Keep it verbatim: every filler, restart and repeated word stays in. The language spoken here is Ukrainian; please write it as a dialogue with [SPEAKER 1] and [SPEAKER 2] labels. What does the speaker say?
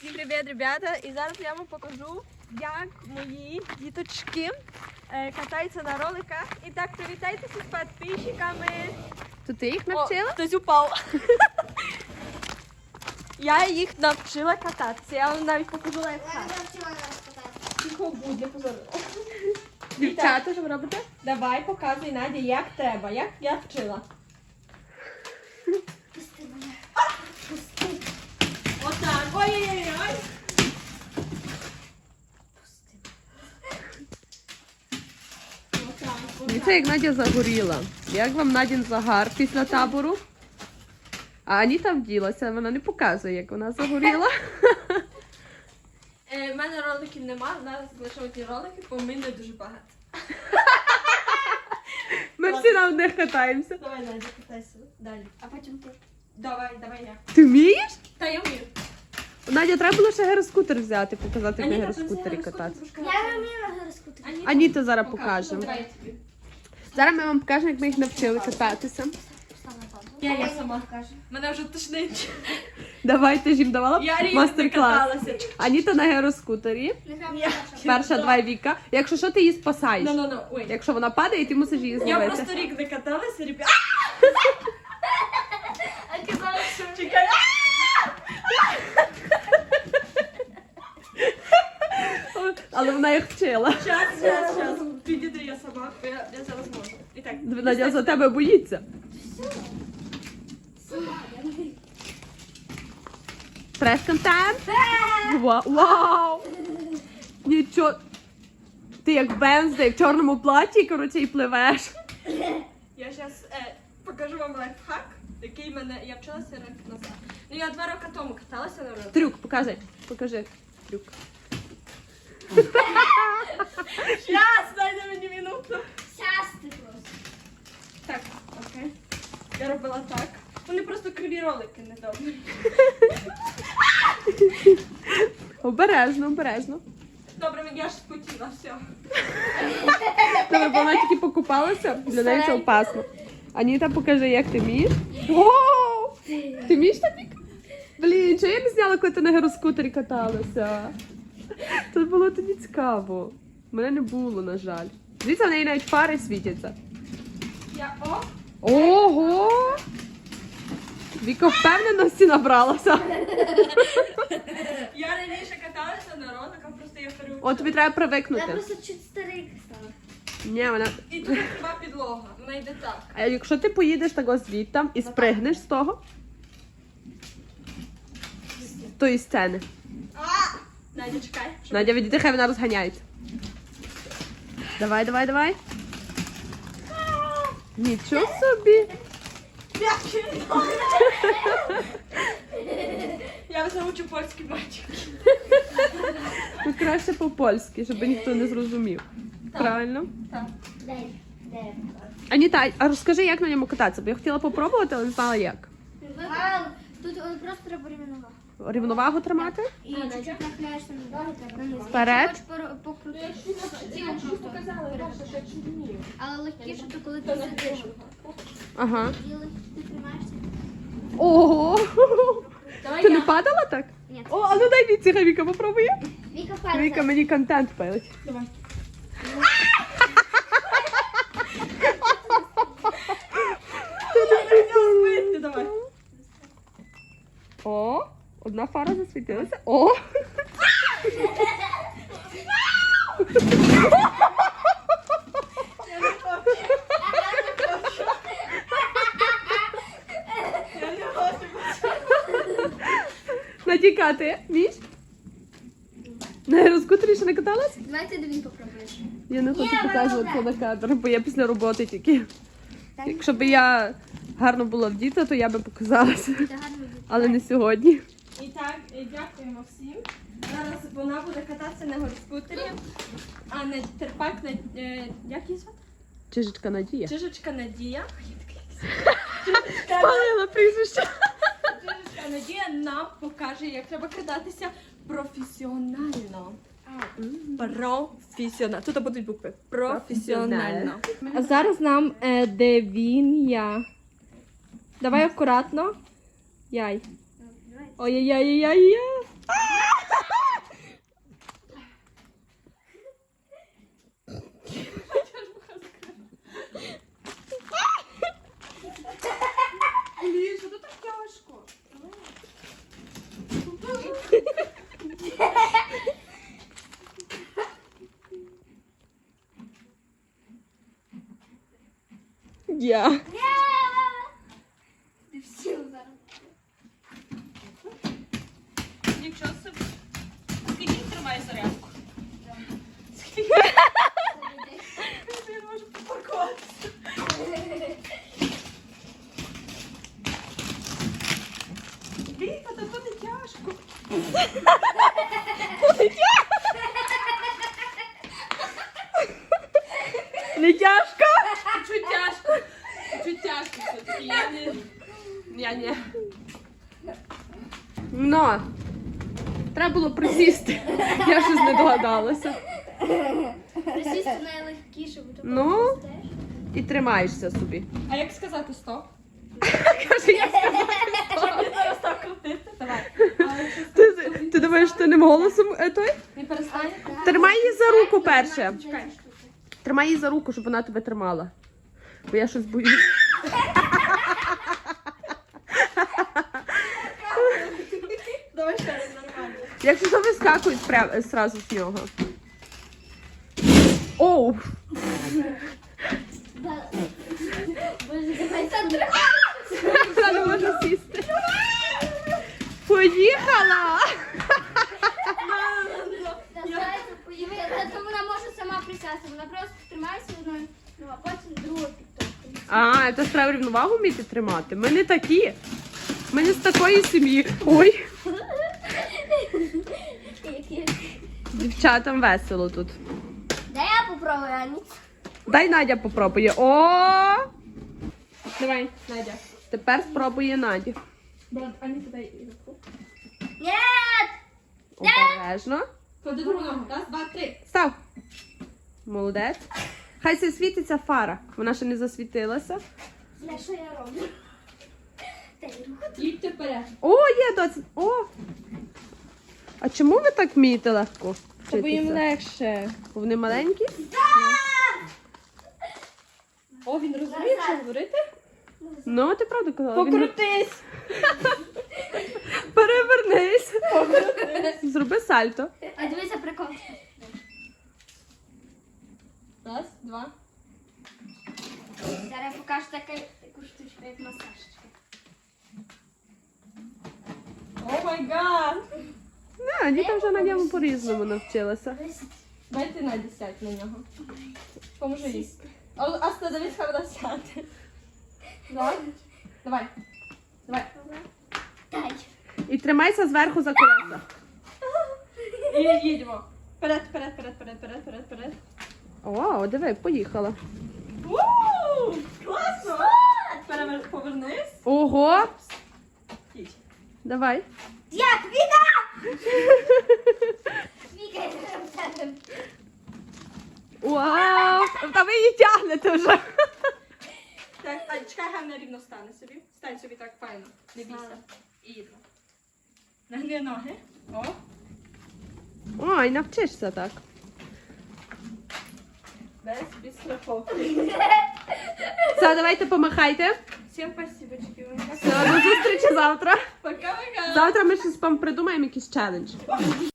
[SPEAKER 1] Всім привіт, ребята! І зараз я вам покажу, як мої діточки е, катаються на роликах. І так, привітайтеся з підписчиками.
[SPEAKER 2] То ти їх навчила?
[SPEAKER 1] О, хтось упав. Я їх навчила кататися. Я вам навіть покажу лайфхак. Тихо будь, не позорила.
[SPEAKER 2] Дівчата, що ви робите?
[SPEAKER 1] Давай, показуй, Надя, як треба, як я вчила.
[SPEAKER 3] Пусти мене. Пусти.
[SPEAKER 1] Отак. Ой-ой-ой.
[SPEAKER 3] Пусти.
[SPEAKER 1] Отак,
[SPEAKER 2] Дивіться, як Надя загоріла. Як вам Надін загар після табору? А Аніта вділася, вона не показує, як вона загоріла.
[SPEAKER 1] Е, в мене роликів нема, зараз лише одні ролики, бо в мене дуже багато.
[SPEAKER 2] Ми всі на одних катаємося.
[SPEAKER 1] Давай, Надя, катайся далі.
[SPEAKER 3] А потім ти.
[SPEAKER 1] Давай, давай я.
[SPEAKER 2] Ти вмієш?
[SPEAKER 1] Та я вмію.
[SPEAKER 2] Надя, треба було ще гіроскутер взяти, показати, як на
[SPEAKER 1] Аніта, ти
[SPEAKER 2] гіроскутері
[SPEAKER 1] взяла
[SPEAKER 2] кататися.
[SPEAKER 1] скутер,
[SPEAKER 3] Я не вмію на гороскутері.
[SPEAKER 1] Аніта,
[SPEAKER 2] Аніта зараз
[SPEAKER 1] покажи.
[SPEAKER 2] покажемо.
[SPEAKER 1] Давай я тобі.
[SPEAKER 2] Зараз ми вам покажемо, як ми їх навчили кататися.
[SPEAKER 1] Я, я сама. Мене вже тошнить.
[SPEAKER 2] Давай, ти ж їм давала
[SPEAKER 1] Я рівно
[SPEAKER 2] мастер-клас.
[SPEAKER 1] каталася.
[SPEAKER 2] Аніта на гіроскутері.
[SPEAKER 1] Я-
[SPEAKER 2] Перша, два Віка. Якщо що, ти її спасаєш.
[SPEAKER 1] Ну, ну, ну, ой.
[SPEAKER 2] Якщо вона падає, ти мусиш її
[SPEAKER 1] Я
[SPEAKER 2] зловити.
[SPEAKER 1] просто рік не каталася, ребят.
[SPEAKER 3] А казала, що
[SPEAKER 1] Чекай.
[SPEAKER 2] Але вона їх вчила.
[SPEAKER 1] Щас, щас, щас. Підійди я сама, бо я, я зараз можу. І так.
[SPEAKER 2] Надя за тебе боїться. Прес-контент. Ва- Вау! Нічого. Ти як Венздей в чорному платі, коротше, і пливеш.
[SPEAKER 1] Я зараз е, покажу вам лайфхак, який мене я вчилася рік назад. Ну я два роки тому каталася на роликах.
[SPEAKER 2] Трюк, покажи. Покажи. Трюк.
[SPEAKER 1] Щас, дайте мені минуту.
[SPEAKER 3] щас ти просто.
[SPEAKER 1] Так, окей. Я робила так. Вони просто криві ролики недобрі.
[SPEAKER 2] Обережно, обережно.
[SPEAKER 1] Добре, я ж спотіла, все.
[SPEAKER 2] Добре, бо вона тільки покупалася, для неї це опасно. Аніта, покажи, як ти вмієш. Воу! Ти вмієш так? Блін, чого я не зняла, коли ти на гіроскутері каталася? Це було тоді цікаво. Мене не було, на жаль. Дивіться, в неї навіть фари світяться.
[SPEAKER 1] Я о!
[SPEAKER 2] Ого! Віка впевненості набралася.
[SPEAKER 1] Я раніше каталася на роликах, просто я переучила.
[SPEAKER 2] От тобі треба
[SPEAKER 3] Я
[SPEAKER 2] привикнути.
[SPEAKER 3] просто чуть старий стала.
[SPEAKER 2] Ні, вона...
[SPEAKER 1] І тут хіба підлога, вона йде так.
[SPEAKER 2] А якщо ти поїдеш того звідти і спригнеш з того, з тої сцени.
[SPEAKER 1] Надя, чекай. щоб-
[SPEAKER 2] Надя, відійди, хай вона розганяється. Давай, давай, давай. Нічого собі.
[SPEAKER 1] Я вже учу польський мальчик.
[SPEAKER 2] Ну, краще по-польськи, щоб ніхто не зрозумів.
[SPEAKER 1] Так.
[SPEAKER 2] Правильно?
[SPEAKER 1] Так.
[SPEAKER 3] Дай. Дай.
[SPEAKER 2] Аніта, а розкажи, як на ньому кататися, бо я хотіла попробувати, але не знала як.
[SPEAKER 3] Мам, тут е, просто треба рівновагу.
[SPEAKER 2] Рівновагу тримати?
[SPEAKER 3] І чуть-чуть нахиляєшся на ноги, треба на низ.
[SPEAKER 2] Вперед.
[SPEAKER 3] Якщо хочеш пор- покрутити, тіло
[SPEAKER 1] Я
[SPEAKER 3] просто
[SPEAKER 1] показала,
[SPEAKER 3] вперед.
[SPEAKER 1] ребята, що я чуть вмію.
[SPEAKER 3] Але легкіше, то коли ти сидиш.
[SPEAKER 2] Ага.
[SPEAKER 3] І легко ти тримаєшся.
[SPEAKER 2] Ого!
[SPEAKER 1] Давай
[SPEAKER 2] Ти
[SPEAKER 1] я.
[SPEAKER 2] не падала так?
[SPEAKER 3] Ні.
[SPEAKER 2] О, а ну дай Віці, хай Віка попробує.
[SPEAKER 3] Віка вперед.
[SPEAKER 2] Віка мені контент пилить.
[SPEAKER 1] Давай. Ти давай.
[SPEAKER 2] О, одна фара засвітилася. О!
[SPEAKER 1] Я не хочу. Я не хочу.
[SPEAKER 2] Натікати. Вмієш? На гіроскутері ще не каталась?
[SPEAKER 3] Давайте він попробуєш.
[SPEAKER 2] Я не хочу
[SPEAKER 3] Ні,
[SPEAKER 2] показувати
[SPEAKER 3] вона
[SPEAKER 2] на кадр, бо я після роботи тільки.
[SPEAKER 3] Так.
[SPEAKER 2] Якщо б я гарно була вдіта, то я би показалася.
[SPEAKER 3] Це гарно буде.
[SPEAKER 2] Але не сьогодні.
[SPEAKER 1] І так, і дякуємо всім. Зараз вона буде кататися на горскутері, а не терпак на е, як її звати?
[SPEAKER 2] Чижечка Надія.
[SPEAKER 1] Чижечка Надія.
[SPEAKER 2] Спалила прізвище.
[SPEAKER 1] Чижечка Надія нам покаже, як треба кататися професіонально. Професіонально. Тут будуть букви. Професіонально. А зараз нам е, де він я. Давай акуратно. Яй. Ой-яй-яй-яй-яй.
[SPEAKER 2] суддя.
[SPEAKER 3] Ні! Ти всі зараз.
[SPEAKER 2] Нічого собі. Скільки тримає зарядку? Я можу попаркуватися. Віка, та буде тяжко. Не тяжко? Чуть тяжко. Чуть тяжко все-таки. Я не... Я не... Но. Треба було присісти. Я щось не догадалася.
[SPEAKER 3] Присісти найлегкіше, бо то
[SPEAKER 2] Ну?
[SPEAKER 3] теж.
[SPEAKER 2] І тримаєшся собі.
[SPEAKER 1] А як сказати стоп?
[SPEAKER 2] Каже, я сказала.
[SPEAKER 1] Зараз так крутити. Давай.
[SPEAKER 2] Ти, ти думаєш, ти ним голосом е, той?
[SPEAKER 1] Не перестань.
[SPEAKER 2] Тримай її за руку перше.
[SPEAKER 3] Чекай.
[SPEAKER 2] Тримай її за руку, щоб вона тебе тримала. Бо я щось боюсь.
[SPEAKER 1] Давай ще раз нормально.
[SPEAKER 2] Якщо що, вискакують прямо зразу з нього. Оу!
[SPEAKER 3] Да. Боже, давай Сандра.
[SPEAKER 2] Вона не може сісти. Поїхала!
[SPEAKER 3] Настається, поїхала. Та вона може сама присясти. Вона просто тримається одною, ну, а потім другою підтовкою.
[SPEAKER 2] А, це ж треба рівновагу вміти тримати. Ми не такі. Ми не з такої сім'ї. Ой,
[SPEAKER 3] Які?
[SPEAKER 2] дівчатам весело тут.
[SPEAKER 3] Дай я попробую, Ані.
[SPEAKER 2] Дай Надя попробує. О!
[SPEAKER 1] Давай, Надя.
[SPEAKER 2] Тепер спробує Надя.
[SPEAKER 1] Брат, Ані, подай іграшку.
[SPEAKER 3] Ні!
[SPEAKER 2] Обережно.
[SPEAKER 1] Клади другу ногу. Раз, два, три.
[SPEAKER 2] Став. Молодець. Хай се світиться фара. Вона ще не засвітилася.
[SPEAKER 3] Знаєш, що я роблю? Дай руку.
[SPEAKER 1] Їдьте вперед.
[SPEAKER 2] О, є доць. О! А чому ви так вмієте легко
[SPEAKER 1] Бо їм
[SPEAKER 2] вчитися?
[SPEAKER 1] легше.
[SPEAKER 2] Бо вони маленькі?
[SPEAKER 1] О, він розуміє, що говорити?
[SPEAKER 2] Ну, ти правду казала. Він...
[SPEAKER 1] Покрутись.
[SPEAKER 2] Перевернись. Зроби сальто.
[SPEAKER 3] А дивися, прикол.
[SPEAKER 1] Раз, два.
[SPEAKER 3] Зараз я покажу таку, таку штучку, як масажечка.
[SPEAKER 1] О май гад.
[SPEAKER 2] Не, діти вже на ньому по-різному навчилися.
[SPEAKER 1] Дай ти Наді сядь на нього. Поможи їй. А, а дивись, хай вона сяде. Давай. Давай. Давай.
[SPEAKER 3] Дай.
[SPEAKER 2] І тримайся зверху за колеса.
[SPEAKER 1] І їдемо. Вперед, вперед, вперед, вперед, вперед, вперед, вперед.
[SPEAKER 2] О, диви, поїхала.
[SPEAKER 1] Ууу! Класно! Перевер... Повернись.
[SPEAKER 2] Ого!
[SPEAKER 1] Їдь.
[SPEAKER 2] Давай.
[SPEAKER 3] Як? Віка! Віка, я зараз сяду.
[SPEAKER 2] Вау! Та ви її тягнете вже.
[SPEAKER 1] Так, а чекай, гарно рівно стане собі. Стань собі так файно. Не бійся. І їдемо. Нагни ноги. О.
[SPEAKER 2] Ой, навчишся так.
[SPEAKER 1] Без, без страховки.
[SPEAKER 2] Все, давайте помахайте.
[SPEAKER 1] Всім спасибочки.
[SPEAKER 2] Все, до зустрічі завтра.
[SPEAKER 1] Пока-пока.
[SPEAKER 2] Завтра ми щось вам придумаємо, якийсь челендж.